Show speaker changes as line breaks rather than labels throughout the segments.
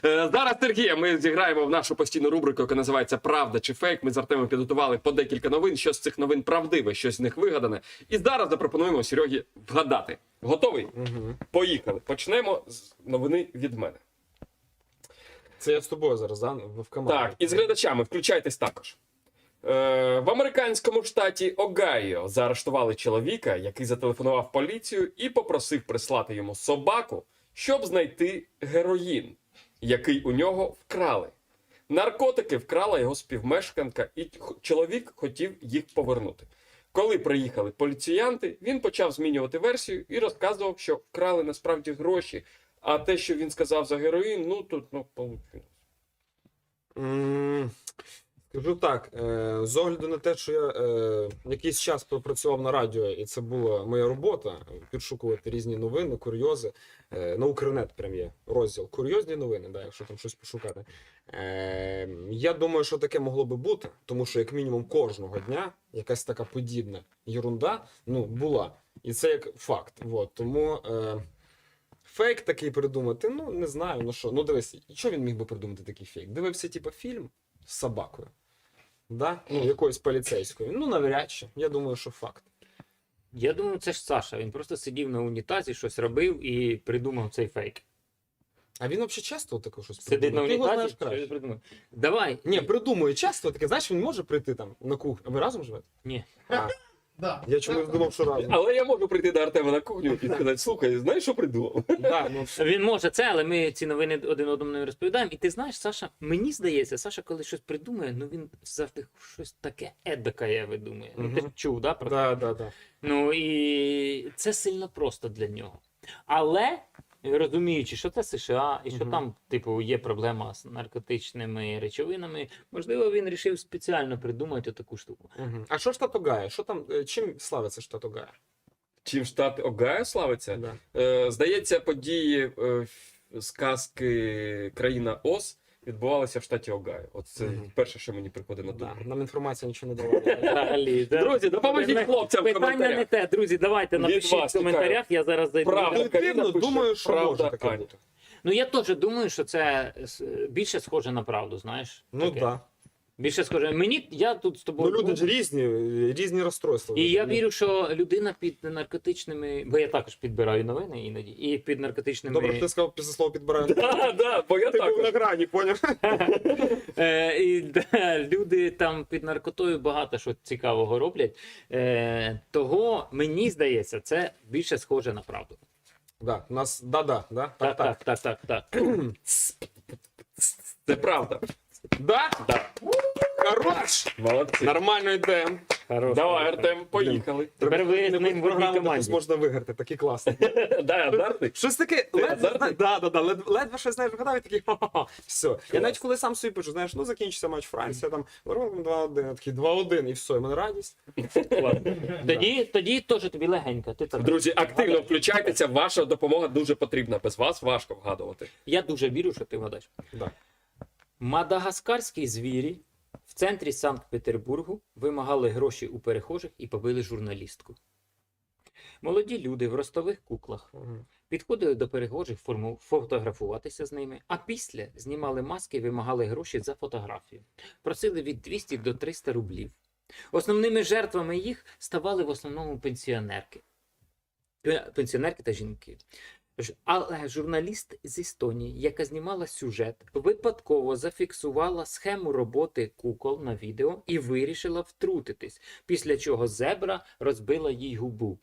Зараз, Сергія, ми зіграємо в нашу постійну рубрику, яка називається «Правда чи фейк». Ми з Артемом підготували по декілька новин, що з цих новин правдиве, що з них вигадане. І зараз запропонуємо Серегі вгадати. Готовий?
Угу.
Поїхали. Почнемо з новини від мене.
Це я з тобою зараз, да? В команді.
Так, і з глядачами, включайтесь також. В американському штаті Огайо заарештували чоловіка, який зателефонував в поліцію і попросив прислати йому собаку, щоб знайти героїн, який у нього вкрали. Наркотики вкрала його співмешканка, і чоловік хотів їх повернути. Коли приїхали поліціянти, він почав змінювати версію і розказував, що вкрали насправді гроші, а те, що він сказав за героїн, ну тут, получилось.
Скажу так, з огляду на те, що я якийсь час пропрацював на радіо, і це була моя робота, підшукувати різні новини, курйози. На Укрнет прям є розділ «Курйозні новини», да, якщо там щось пошукати. Я думаю, що таке могло би бути, тому що як мінімум кожного дня якась така подібна єрунда, ну, була. І це як факт. Вот. Тому фейк такий придумати, ну, не знаю, ну що. Ну, дивись, що він міг би придумати такий фейк? Дивився, типу, фільм з собакою. Да? Ну, якоюсь поліцейською. Ну, навряд чи. Я думаю, що факт.
Я думаю, це ж Саша. Він просто сидів на унітазі, щось робив і придумав цей фейк.
А він взагалі часто таке щось
Сидить на
придумує? Ти його
унітазі,
знаєш краще.
що придумав. Давай.
Ні, придумує часто таке. Знаєш, він може прийти там на кухню. А ви разом живете?
Ні.
А,
Да.
я чомусь думав, що разом.
Але я можу прийти до Артема на кухню і сказати, слухай, знаєш, що придумав?
Да, ну,
Він може це, але ми ці новини один одному не розповідаємо. І ти знаєш, Саша, мені здається, Саша, коли щось придумує, ну він завжди щось таке едакає видумує. Ну, ти ж чув, да, про це?
да.
Ну і це сильно просто для нього. Але розуміючи, що це США, і що там, типу, є проблема з наркотичними речовинами, можливо, він вирішив спеціально придумати таку штуку.
Угу. А що штат Огайо? Що там, чим славиться штат Огайо?
Чим штат Огайо славиться?
Да.
Здається, події сказки «Країна Оз» відбувалися в штаті Огайо. От це перше, що мені приходить на думку.
Да. Нам інформація нічого не давала.
Взагалі, да.
Друзі, допоможіть хлопцям в
Питання
коментарях.
не те, друзі, давайте
Від
напишіть
вас
в коментарях, я зараз зайду.
Правда.
Інтуїтивно
Каріна пише,
думаю, що
правда,
може таке
Аня.
бути.
Ну я теж думаю, що це більше схоже на правду, знаєш?
Ну
Таке.
так.
Більше схоже. Мені, я тут з
Ну
тобою.
люди ж різні розстройства.
І я вірю, що людина під наркотичними, бо я також підбираю новини іноді, і під наркотичними.
Добре, що ти сказав після слова підбираю.
Да, бо я
Ти був на
також.
грані, поняв?
Люди там під наркотою багато що цікавого роблять. Того, мені здається, це більше схоже на правду.
Да, у нас да.
Так.
Це правда.
Да?
Да.
Хорош!
Молодці.
Нормально йдемо.
Хорош.
Давай, Артем, поїхали.
Тепер ви з ним в одній команді.
Можна виграти, такі класні.
Дай азартний.
Щось таке,
азартний?
ледве щось знаєш, вгадав і такий ха-ха-ха. Все. Я навіть коли сам собі пишу, знаєш, ну закінчиться матч Франція, там, 2-1, я такий 2-1, і все, і мене радість.
Тоді теж тобі легенько. Ти так.
Друзі, активно включайтеся, ваша допомога дуже потрібна. Без вас важко вгадувати.
Я дуже вірю, що ти вгадаєш.
Да.
Мадагаскарські звірі в центрі Санкт-Петербургу вимагали гроші у перехожих і побили журналістку. Молоді люди в ростових куклах підходили до перехожих фотографуватися з ними, а після знімали маски і вимагали гроші за фотографію. Просили від 200 до 300 рублів. Основними жертвами їх ставали в основному пенсіонерки та жінки. Але журналіст з Естонії, яка знімала сюжет, випадково зафіксувала схему роботи кукол на відео і вирішила втрутитись, після чого зебра розбила їй губу.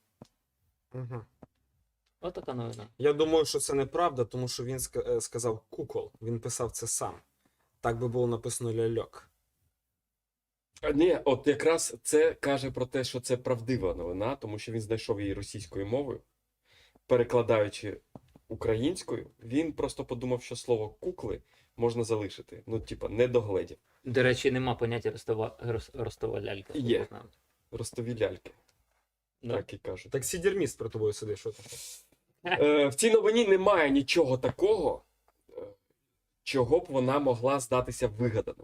Отака новина.
Я думаю, що це неправда, тому що він сказав кукол, він писав це сам. Так би було написано ляльок.
Ні, от якраз це каже про те, що це правдива новина, тому що він знайшов її російською мовою. Перекладаючи українською, він просто подумав, що слово кукли можна залишити. Ну, типа, не догледів.
До речі, нема поняття ростова лялька.
Є. Ростові ляльки.
Да.
Так і кажуть.
Так сідерміст про тобою сидить, що ти?
В цій новині немає нічого такого, чого б вона могла здатися вигаданим.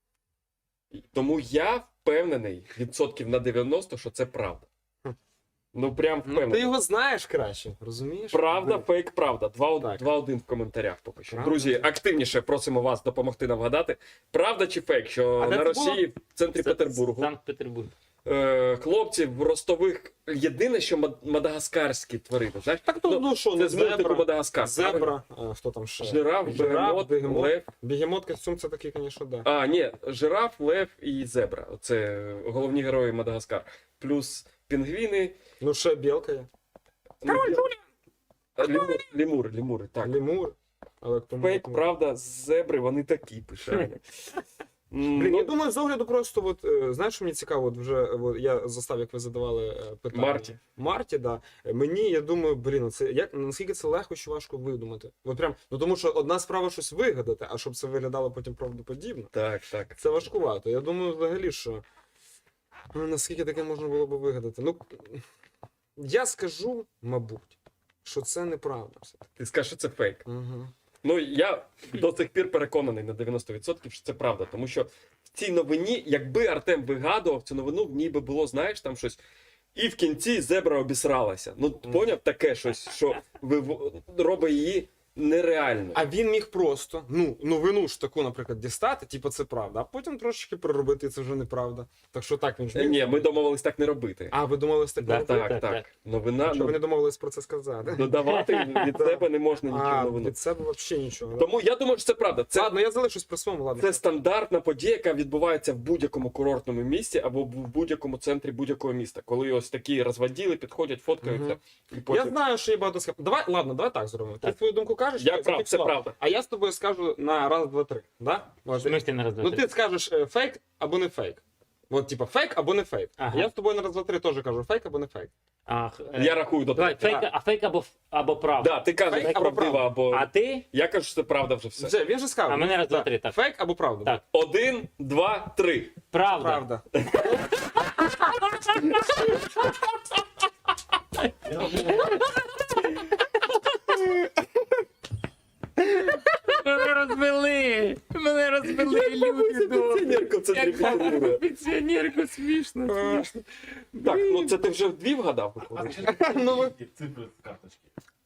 Тому я впевнений відсотків на 90, що це правда. Ну прям
Ну,
впевнений.
ти його знаєш краще, розумієш?
Правда,
Ви-
фейк, правда.
Так.
2-1 в коментарях поки що.
Правда.
Друзі, активніше просимо вас допомогти нам вгадати. Правда чи фейк, що
А де
на
це
Росії в центрі
Це
Петербургу
Санкт-Петербург.
хлопці в ростових єдине, що мадагаскарські тварини. Знаєш?
Так, ну що,
Це
ну,
з мультику
зебра,
Мадагаскар.
зебра, хто там ще?
Жираф, бегемот, лев.
Бегемот, костюм, це такий, звісно, да.
А, ні, жираф, лев і зебра. Це головні герої Мадагаскар. Плюс пінгвіни.
Ну, ще білка є.
Лемури, так.
Лемур. Але хто
Фейк, правда, зебри, вони такі пишані.
Блін, я думаю, з огляду просто, от, знаєш, що мені цікаво, от вже я застав, як ви задавали питання. Марті, да. Мені, я думаю, блін, це наскільки це легко чи важко видумати. От прям, ну тому що одна справа щось вигадати, а щоб це виглядало потім правдоподібно,
Так, так.
це важкувато. Я думаю, взагалі, що наскільки таке можна було би вигадати. Ну, я скажу, мабуть, що це неправда все-таки.
Ти скажеш, що це фейк.
Угу.
Ну, я до сих пір переконаний на 90%, що це правда. Тому що в цій новині, якби Артем вигадував цю новину, в ній би було, знаєш, там щось. І в кінці зебра обісралася. Ну, поняв таке щось, що робить її нереальною.
А він міг просто, новину ж таку, наприклад, дістати, типу це правда, а потім трошечки переробити, і це вже неправда. Так що так він ж міг.
Ні, ми домовились так не робити.
А, ви домовились так
Да,
робити?
Так,
так.
так. Новина,
Що ви не домовились про це сказати?
додавати від себе не можна нічого
А,
новину.
від себе взагалі нічого. да?
Тому я думаю, що це правда. Це
Ладно, я залишусь при своєму, ладно.
Це стандартна подія, яка відбувається в будь-якому курортному місці або в будь-якому центрі будь-якого міста. Коли ось такі розводіли, підходять, фоткаються. І
Я
потім...
знаю, що є багато скап. Давай так зробимо. Ти
Так.
свою думку кажеш,
Я
я
прав,
зафіксував.
це правда.
А я з тобою скажу на раз, два, три. Да?
В смислі на раз, два,
Ну
три?
ти скажеш фейк або не фейк. От, типа, фейк або не фейк.
Ага.
Я з тобою на раз, два, три теж кажу фейк або не фейк.
Я рахую до
Давай,
того.
фейк або правда.
Да, ти кажеш
Фейк або
правдиво,
правда.
або...
А ти?
Я кажу, що це правда вже все.
Він же сказав.
А мене раз, два, три, так.
Фейк або правда.
Так.
1, 2, 3.
Правда.
Правда.
Мене розвели люди.
Пенсіонерка в центрі Петербурга.
Пенсіонерку смішно.
Так, ну це ти вже дві вгадав, виходить?
Цифри з карточки.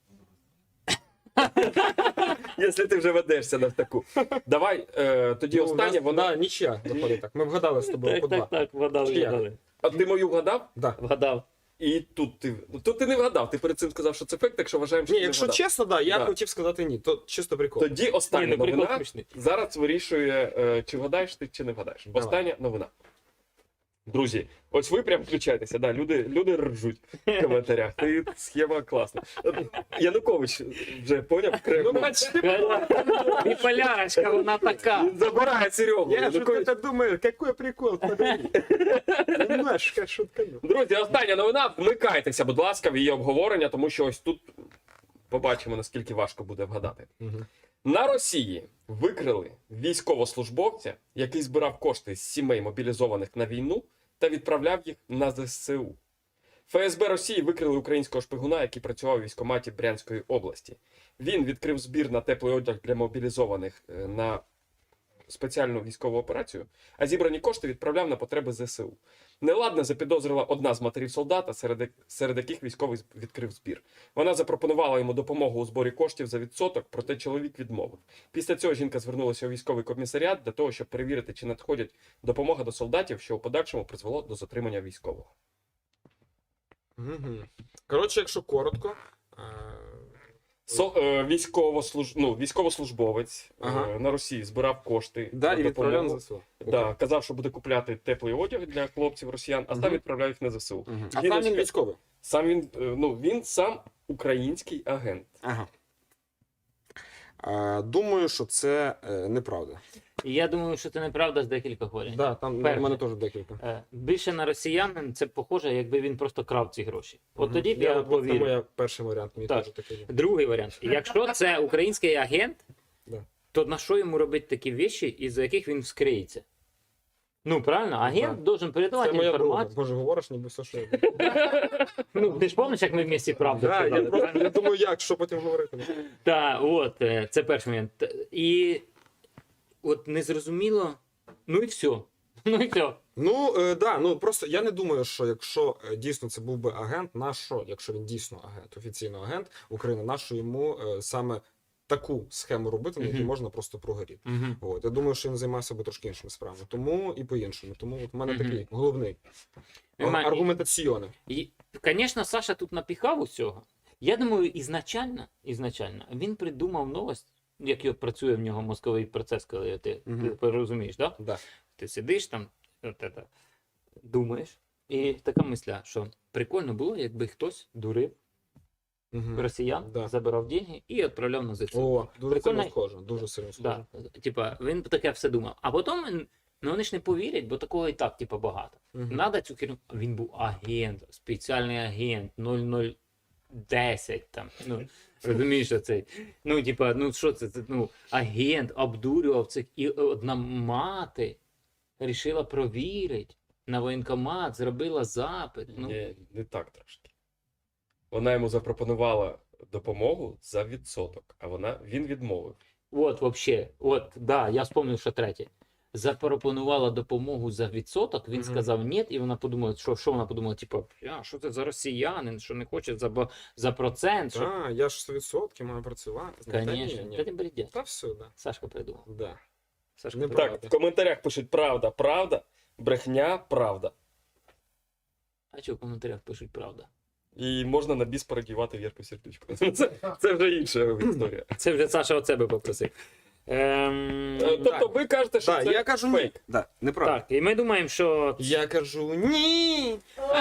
Якщо ти вже ведешся на таку. Давай, тоді останнє, вона...
Да, нічия виходить так. Ми вгадали з тобою по два.
Так, вгадали,
Чи як?
вгадали.
А ти мою вгадав?
Да.
Вгадав.
І тут ти... Ну, тут ти не вгадав, ти перед цим сказав, що це фейк, так що вважаємо, що
Ні,
ти не
якщо
вгадав.
чесно, да, я
Да.
хотів сказати ні. То чисто прикол.
Тоді остання
Ні, ну прикол
новина.
смішний.
Зараз вирішує, чи вгадаєш ти, чи не вгадаєш.
Давай.
Остання новина. Друзі, ось ви прям включайтеся, да, люди ржуть в коментарях. Ти схема класна. Янукович вже поняв
Ну,
Кремль.
Біполярочка, вона така.
Він забирає Серегу.
Я же
Янукович.
это думаю, какой прикол, погоди. Немножко шуткану.
Друзі, остання новина. Вмикайтеся, будь ласка, в її обговорення, тому що ось тут побачимо, наскільки важко буде вгадати. На Росії викрили військовослужбовця, який збирав кошти з сімей мобілізованих на війну та відправляв їх на ЗСУ. ФСБ Росії викрили українського шпигуна, який працював у військкоматі Брянської області. Він відкрив збір на теплий одяг для мобілізованих на спеціальну військову операцію, а зібрані кошти відправляв на потреби ЗСУ. Неладне запідозрила одна з матерів солдата, серед яких військовий відкрив збір. Вона запропонувала йому допомогу у зборі коштів за відсоток, проте чоловік відмовив. Після цього жінка звернулася у військовий комісаріат для того, щоб перевірити, чи надходять допомога до солдатів, що у подальшому призвело до затримання військового.
Коротше, якщо коротко,
Військовослужбовець
Ага.
на Росії збирав кошти
да,
на
і відправляв
допомогу.
на ЗСУ.
Да, казав, що буде купляти теплий одяг для хлопців росіян, а сам
Мгм.
відправляв їх на ЗСУ.
А сам він військовий?
Сам він сам український агент.
Ага. Думаю, що це неправда.
Я думаю, що це неправда з декількох варіантів.
Да, там в
Перше.
мене теж декілька.
Більше на росіянин це похоже, якби він просто крав ці гроші. От
Мгм.
тоді б я
Це
повірив.
моя перший варіант, мій
Так.
теж такий. є.
Другий варіант. Якщо це український агент,
Да.
то на що йому робити такі вещі, із-за яких він вскриється? Ну, правильно, агент
Да.
должен
Це
передавати
моя друга.
інформацію.
Боже, говориш, ніби все, що я.
Ну, ти ж пам'ятаєш, як ми в місті правду
Да,
сказали?
я просто я думаю, як, що потім говорити.
Так, от, це перший момент. І от незрозуміло, ну і все. Ну і все.
Просто я не думаю, що якщо дійсно це був би агент, якщо він дійсно агент, офіційно агент України, нащо йому саме таку схему робити, на якій
Мгм.
можна просто прогоріти.
Мгм.
От, я думаю, що він займався би трошки іншими справами. Тому і по-іншому. Тому от в мене
Мгм.
такий головний
Нема-
аргументаційний.
І, звісно, Саша тут напіхав усього. Я думаю, ізначально він придумав новость, як працює в нього мозковий процес, коли
Мгм.
ти розумієш, да?
Да.
Ти сидиш там, думаєш, і така мисля, що прикольно було, якби хтось дурив
Мгм.
росіян,
Да.
забирав деньги і відправляв на ЗСУ.
О, дуже
Прикольно.
сильно схоже. Дуже сильно схоже.
Да. Типа, він таке все думав. А потім вони ж не повірять, бо такого і так, типа, багато.
Мгм.
Надо цю керівну. Він був агент, спеціальний агент 0010 там. Ну, розумієш, оцей. Ну, типа, ну що це? Агент обдурював цих. І одна мати рішила провірити. На воєнкомат зробила запит. Ну,
Не так трошки. Вона йому запропонувала допомогу за відсоток, а він відмовив.
от, вообще, да, я вспомнив, що третє. Запропонувала допомогу за відсоток, він
Мгм.
сказав ні, і вона подумала, що вона подумала, типу, що це за росіянин, що не хоче за процент, що...
Так, я ж 100% маю працювати.
Конечно,
Ні.
та ти бредять.
Та все, да.
Сашка придумав.
Да.
Сашка
Не
придумав.
Так, в коментарях пишуть правда, правда, брехня, правда.
А що в коментарях пишуть правда?
І можна на біс передівати Вірку Сердючку. Це вже інша історія.
Це вже Саша от себе попросив.
Тобто ви кажете, що
Да,
це
я кажу
фейк.
ні. Да, неправда.
Так, і ми думаємо, що...
Я кажу ні.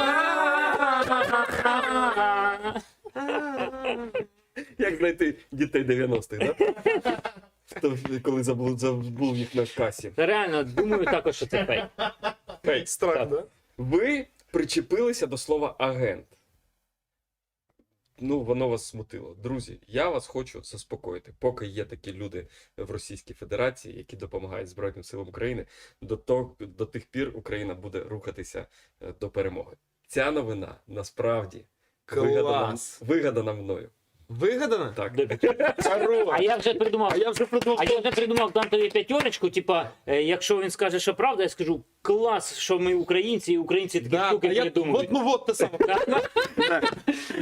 Як знайти дітей 90-х, да? Коли забув їх на касі.
Реально, думаю також, що це фейк.
Фейк.
Страх,
Так.
да?
Ви причепилися до слова агент. Ну, воно вас смутило. Друзі, я вас хочу заспокоїти. Поки є такі люди в Російській Федерації, які допомагають Збройним силам України, до тих пір Україна буде рухатися до перемоги. Ця новина насправді
Клас.
вигадана мною.
Вигадано?
Так.
А я вже придумав. А я вже придумав дам тобі п'ятерочку, типа, якщо він скаже, що правда, я скажу, клас, що ми українці, і українці такі штуки придумують.
От те саме.